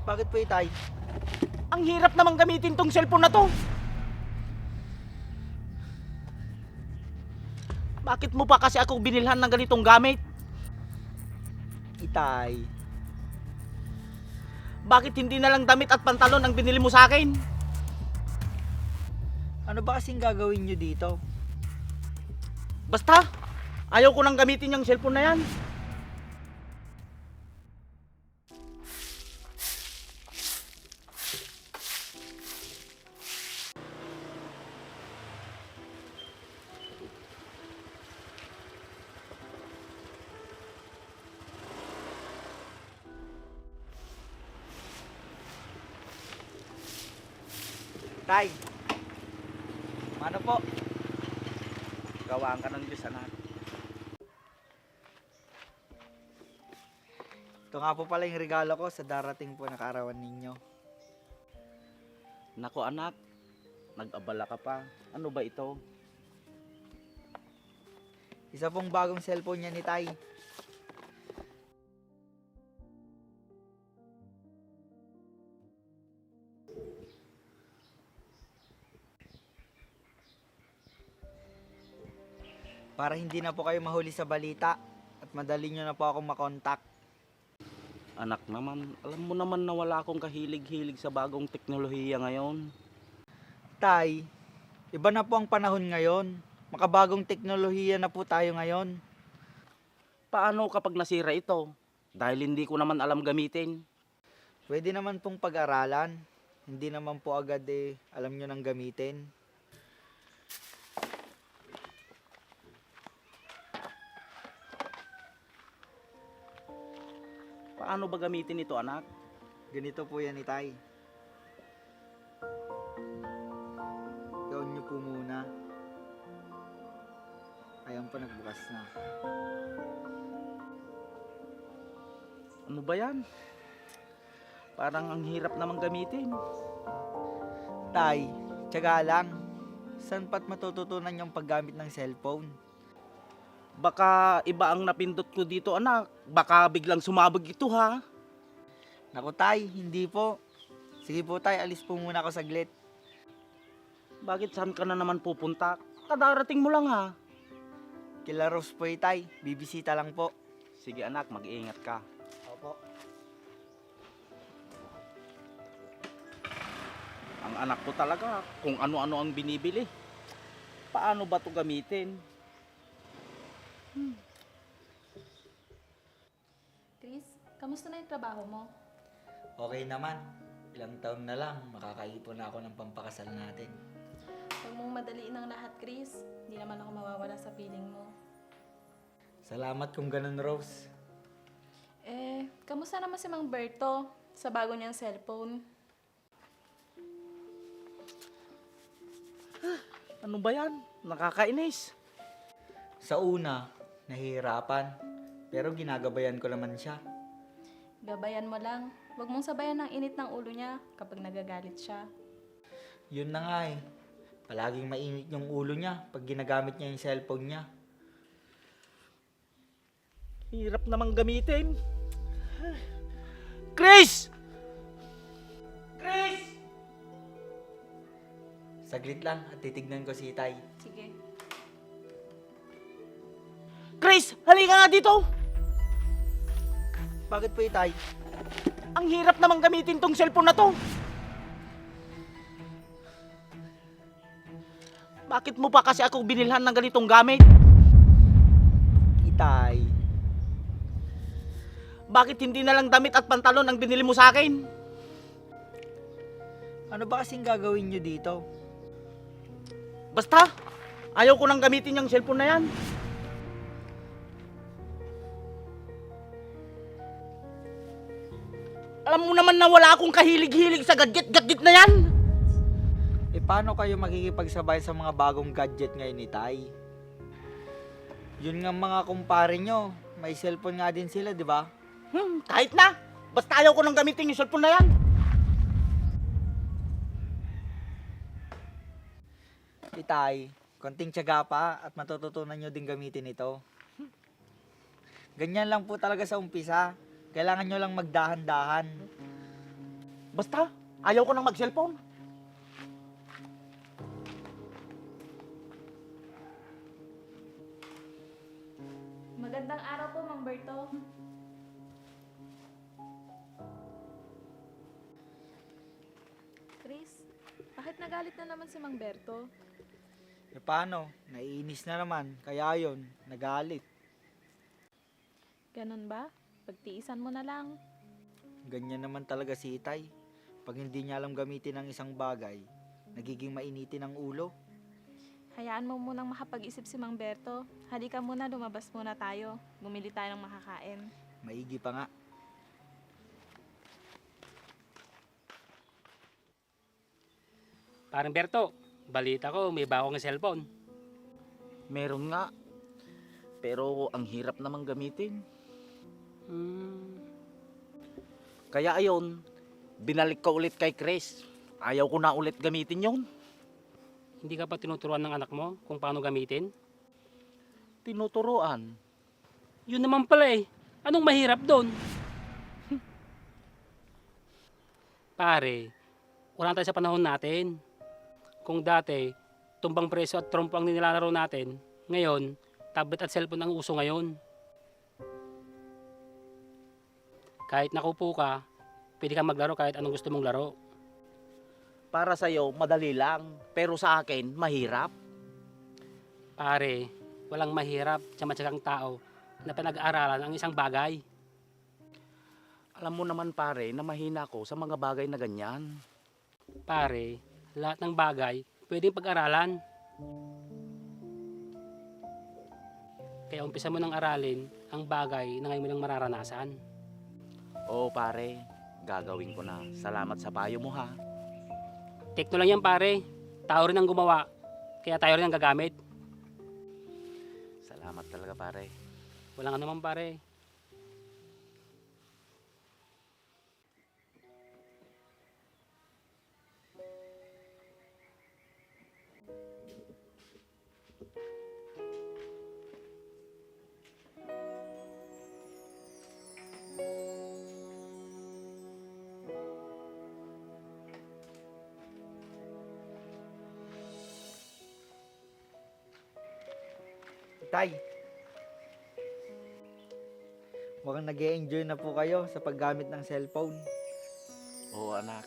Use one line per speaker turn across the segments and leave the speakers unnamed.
Bakit po, Itay?
Ang hirap namang gamitin tong cellphone na to. Bakit mo pa kasi ako binilhan ng ganitong gamit?
Itay,
Bakit hindi na lang damit at pantalon ang binili mo sa akin?
ano ba kasing gagawin nyo dito?
Basta, ayaw ko nang gamitin yung cellphone na yan.
Tay, ano po?
Gawaan ka ng Diyos, anak.
Ito nga po pala yung regalo ko sa darating po na kaarawan ninyo.
Nako anak, nag-abala ka pa. Ano ba ito?
Isa pong bagong cellphone niya ni Tay. Para hindi na po kayo mahuli sa balita at madali nyo na po akong makontak.
Anak naman, alam mo naman na wala akong kahilig-hilig sa bagong teknolohiya ngayon.
Tay, iba na po ang panahon ngayon. Makabagong teknolohiya na po tayo ngayon.
Paano kapag nasira ito? Dahil hindi ko naman alam gamitin.
Pwede naman pong pag-aralan. Hindi naman po agad alam nyo nang gamitin.
Paano ba gamitin ito, anak?
Ganito po yan, Itay. Gawin nyo po muna. Ayan pa, nagbukas na.
Ano ba yan? Parang ang hirap namang gamitin.
Tay, tiyaga lang. Saan pa't matututunan yung paggamit ng cellphone?
Baka iba ang napindot ko dito, anak. Baka biglang sumabog ito, ha?
Naku, Tay, hindi po. Sige po, Tay, alis po muna ako saglit.
Bakit saan ka na naman pupunta? Kadarating mo lang, ha?
Kila Rose po, Tay. Bibisita lang po.
Sige, anak, mag-iingat ka.
Opo.
Ang anak ko talaga, kung ano-ano ang binibili. Paano ba ito gamitin?
Chris, kamusta na yung trabaho mo?
Okay naman. Ilang taon na lang, makakaipon na ako ng pampakasal natin.
Huwag mong madaliin ang lahat, Chris. Hindi naman ako mawawala sa feeling mo.
Salamat kung ganun, Rose.
Kamusta naman si Mang Berto sa bago niyang cellphone?
Ano ba yan? Nakakainis.
Sa una, nahihirapan. Pero ginagabayan ko naman siya.
Gabayan mo lang. Huwag mong sabayan ng init ng ulo niya kapag nagagalit siya.
Yun na nga eh. Palaging mainit yung ulo niya pag ginagamit niya yung cellphone niya.
Hirap namang gamitin. Chris! Chris!
Saglit lang at titignan ko si Itay.
Sige.
Chris! Halika nga dito!
Bakit po, Itay?
Ang hirap namang gamitin tong cellphone na to. Bakit mo pa kasi ako binilhan ng ganitong gamit?
Itay.
Bakit hindi na lang damit at pantalon ang binili mo sa akin?
Ano ba kasing gagawin nyo dito?
Basta, ayaw ko nang gamitin yung cellphone na yan. Alam mo naman na wala akong kahilig-hilig sa gadget-gadget na yan.
Paano kayo makikipagsabay sa mga bagong gadget ngayon, Itay? Yun nga mga kumpare nyo. May cellphone nga din sila, di ba?
Kahit na. Basta ayaw ko nang gamitin yung cellphone na yan.
Itay, konting tiyaga pa at matututunan nyo din gamitin ito. Ganyan lang po talaga sa umpisa. Kailangan nyo lang magdahan-dahan.
Basta, ayaw ko nang mag-cellphone.
Magandang araw po, Mang Berto. Chris, bakit nagalit na naman si Mang Berto?
E paano? Naiinis na naman. Kaya yun, nagalit.
Ganun ba? Pagtiisan mo na lang.
Ganyan naman talaga si Itay. Pag hindi niya alam gamitin ang isang bagay, nagiging mainitin ang ulo.
Hayaan mo munang makapag-isip si Mang Berto. Halika muna, lumabas muna tayo. Bumili tayo ng makakain.
Maigi pa nga.
Parang Berto, balita ko may bago ng cellphone.
Meron nga. Pero ang hirap namang gamitin. Kaya ayon, binalik ko ulit kay Chris. Ayaw ko na ulit gamitin yon.
Hindi ka pa tinuturuan ng anak mo kung paano gamitin?
Tinuturuan.
Yun naman pala eh. Anong mahirap doon? Pare, wala tayo sa panahon natin. Kung dati, tumbang preso at trompo ang nilalaro natin, ngayon, tablet at cellphone ang uso ngayon. Kahit nakupo ka, pwede kang maglaro kahit anong gusto mong laro.
Para sa'yo, madali lang. Pero sa akin, mahirap.
Pare, walang mahirap sa matyagang tao na pinag-aaralan ang isang bagay.
Alam mo naman pare, na mahina ko sa mga bagay na ganyan.
Pare, lahat ng bagay pwedeng pag-aralan. Kaya umpisa mo nang aralin ang bagay na ngayon mo lang mararanasan.
Oo pare, gagawin ko na. Salamat sa payo mo ha.
Tekno lang yan pare, tao rin ang gumawa, kaya tayo rin ang gagamit.
Salamat talaga pare.
Walang ano man pare.
Tay, mukhang nag-e-enjoy na po kayo sa paggamit ng cellphone.
Oo anak.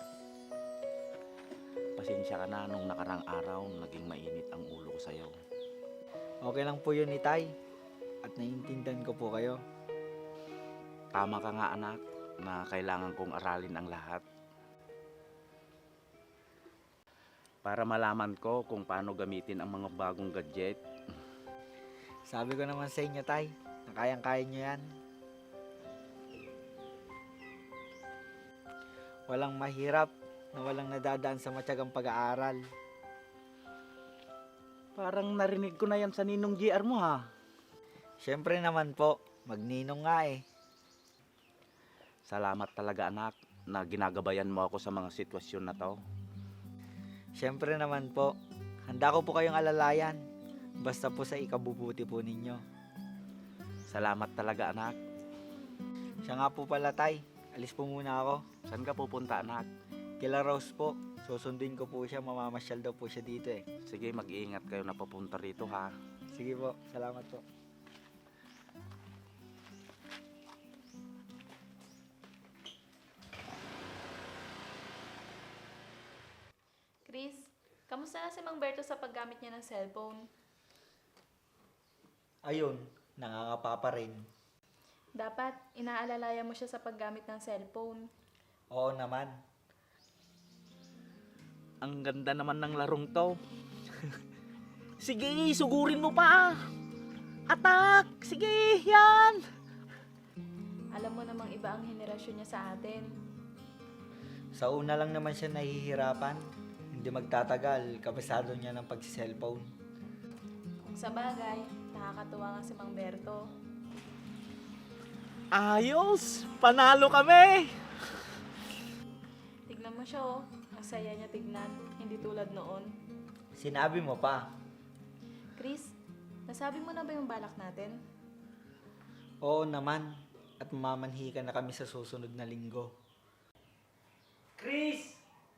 Pasensya ka na nung nakarang araw, naging mainit ang ulo ko sa'yo.
Okay lang po yun ni Tay. At naiintindihan ko po kayo.
Tama ka nga anak, na kailangan kong aralin ang lahat. Para malaman ko kung paano gamitin ang mga bagong gadget.
Sabi ko naman sa inyo, Tay, na kayang-kaya nyo yan. Walang mahirap na walang nadadaan sa matyagang pag-aaral.
Parang narinig ko na yan sa ninong GR mo ha.
Siyempre naman po, magninong nga eh.
Salamat talaga anak, na ginagabayan mo ako sa mga sitwasyon na to.
Siyempre naman po, handa ko po kayong alalayan. Basta po sa ikabubuti po ninyo.
Salamat talaga anak.
Siya nga po pala, Tay. Alis po muna ako.
Saan ka pupunta anak?
Kila Rose po. Susundin ko po siya. Mamamasyal daw po siya dito eh.
Sige, mag-iingat kayo na papunta rito ha.
Sige po. Salamat po.
Chris, kamusta na si Mang Berto sa paggamit niya ng cellphone?
Ayun, nangangapa pa rin.
Dapat, inaalalayan mo siya sa paggamit ng cellphone.
Oo naman.
Ang ganda naman ng larong to. Sige, sugurin mo pa. Atak! Sige, yan!
Alam mo namang iba ang henerasyon niya sa atin.
Sa una lang naman siya nahihirapan. Hindi magtatagal, kabisado niya ng pagsiselfone.
Kung sa bagay, nakakatuwa nga si Mang Berto.
Ayos! Panalo kami!
Tignan mo siya oh. Ang saya niya tignan. Hindi tulad noon.
Sinabi mo pa.
Chris, nasabi mo na ba yung balak natin?
Oo naman. At mamamanhi ka na kami sa susunod na linggo.
Chris!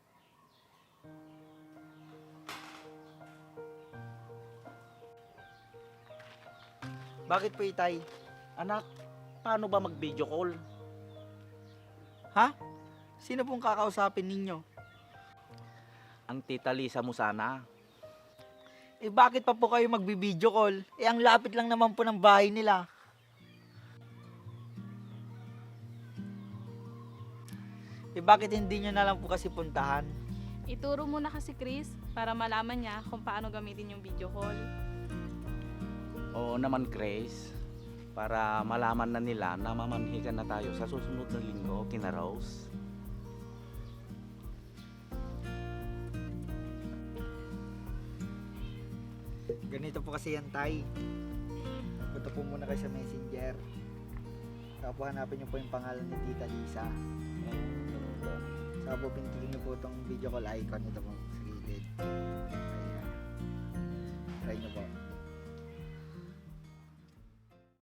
Bakit po, Itay?
Anak, paano ba mag-video call?
Ha? Sino pong kakausapin ninyo?
Ang tita Lisa mo sana.
Eh bakit pa po kayo magbi-video call? Eh ang lapit lang naman po ng bahay nila. Eh bakit hindi nyo na lang po kasi puntahan?
Ituro mo na kasi Chris para malaman niya kung paano gamitin yung video call.
Oo naman, Grace. Para malaman na nila na mamanhikan na tayo sa susunod na linggo, kina Rose.
Ganito po kasi yan, Tay. Punta po muna kayo sa messenger. Saka po hanapin nyo po yung pangalan ni Tita Lisa. Saka po pindutin nyo po itong video call icon. Ito po sa gilid.